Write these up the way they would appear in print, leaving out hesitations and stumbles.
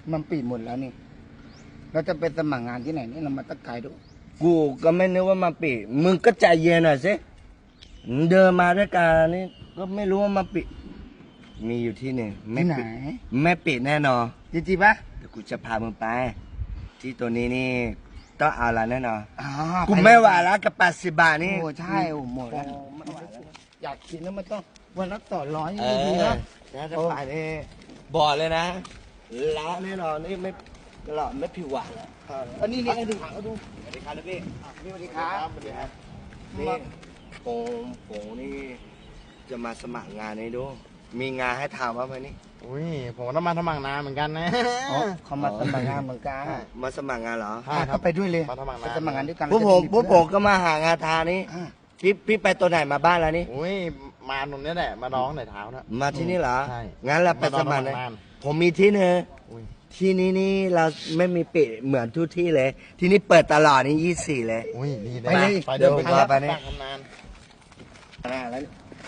มันปิดหมดแล้วนี่เราจะไปสมัครงานที่ไหนนี่เรามาตะไกลดูกูก็ไม่นึกว่ามันปิดมึงก็ใจเย็นหน่อยสิเดินมาด้วยกันนี่ก็ไม่รู้ว่ามันปิดมีอยู่ที่หนึ่งไม่ปิดไม่ปิดแน่นอนจริงๆปะเดี๋ยวกูจะพามึงไปที่ตัวนี้นี่ต้องเอาละแน่นอนอ๋อกูไม่ไหวแล้วกับ80 บาทนี่โอ้ใช่โอ้หมดแล้วอยากกินแล้วมันต้องวันละ200ดีๆนะจะไปนี่บอกเลยนะละแน่นอนนี่ไม่หลอดไม่ผิวหวานแล้วอันนี้นี่ดูดูสวัสดีครับพี่สวัสดีครับสวัสดีครับนี่ผมนี่จะมาสมัครงานนี้ดูมีงานให้ทำบ้างไหมนี่อุ้ยผมต้องมาสมัครงานเหมือนกันนะเขามาสมัครงานเหมือนกันมาสมัครงานเหรอเขาไปด้วยเลยมาสมัครงานด้วยกันพวกผมก็มาหางานทานี่พี่ไปตัวไหนมาบ้านแล้วนี่อุ้ยมาตรงนี้แหละมาร้องในเท้านะมาที่นี่เหรอใช่งั้นเราไปสมัครเลยผมมีที่นึงที่นี่เราไม่มีปิดเหมือนทุกที่เลยที่นี่เปิดตลอดนี่24เลยอุ้ยดีไปเลยเดินไปนี่ทำงานแล้ว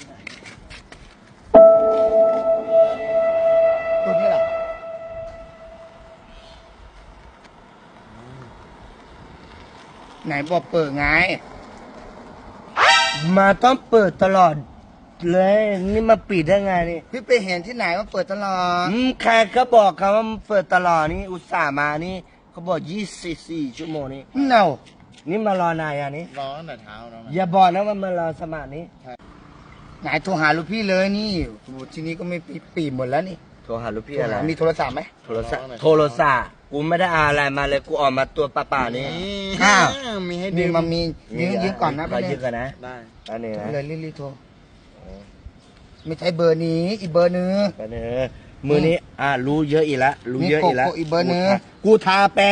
ตัวนี้แหละไหนบอกเปิดไงมาต้องเปิดตลอดเลยนี่มาปิดได้ไงนี่พี่ไปเห็นที่ไหนว่าเปิดตลอดใครเขาบอกเขาว่าเปิดตลอดนี่อุตส่าห์มานี่เขาบอก24 ชั่วโมงนี่เน่านี่มารอนายอันนี้ร้องในเท้านะอย่าบอกนะว่ามารอสมัครนี้ไหนโทรหาลูกพี่เลยนี่ทีนี้ก็ไม่ปีหมดแล้วนี่โทรหาลูกพี่อะไรมีโทรศัพท์ไหมโทรศัพท์กูไม่ได้อะไรมาเลยกูออกมาตัวเปล่าๆนี่มีให้ดีมามียืมก่อนนะไปยืมกันนะได้อันนี้นะเลยรีบโทรไม่ใช่เบอร์นี้อีกเบอร์นึงไปเนอมือนี้รู้เยอะอีกแล้วรู้เยอะอีกแล้วอีกเบอร์นึงกูทาแปร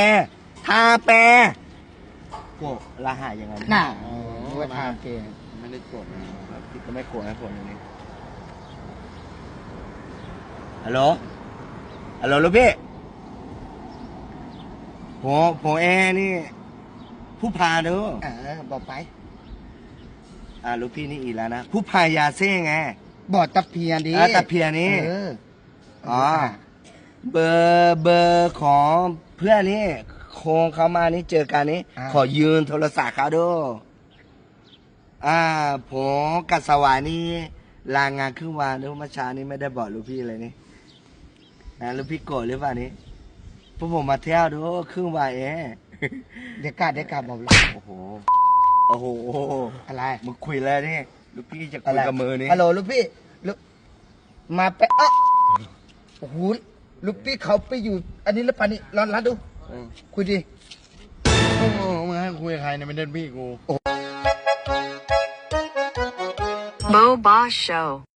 กูรหัสยังไงน่ะว่าทาแปรไม่ได้กดพี่ก็ไม่กดนะผมอย่างนี้ฮัลโหลลูกพี่ผมนี่ผู้พาดูบอกไปลูกพี่นี่อีกแล้วนะผู้พายาเซ่ไงบอกตะเพียนดิตะเพียนนี่เบอร์ของเพื่อนนี่โคงเขามานี่เจอกันนี่ขอยืนโทรศัพท์เขาดูผมกับสวายนี่ลางานครึ่งวันแล้วเมื่อเช้านี้ไม่ได้บอกลูกพี่เลยนี่ลูกพี่โกรธหรือเปล่านี่พวกผมมาเที่ยวดูครึ่งวันเด็กกาบอกเลยโอ้โหอะไรมึงคุยแล้วนี่ลูกพี่จะคุยกับมือนี่ฮัลโหลลูกพี่มาไปโอ้โหลูกพี่เขาไปอยู่อันนี้แล้วปานี่ร้อนรัดดูคุยดิมึงให้คุยกับใครเนี่ยไม่เดินพี่กู Mo Boss Show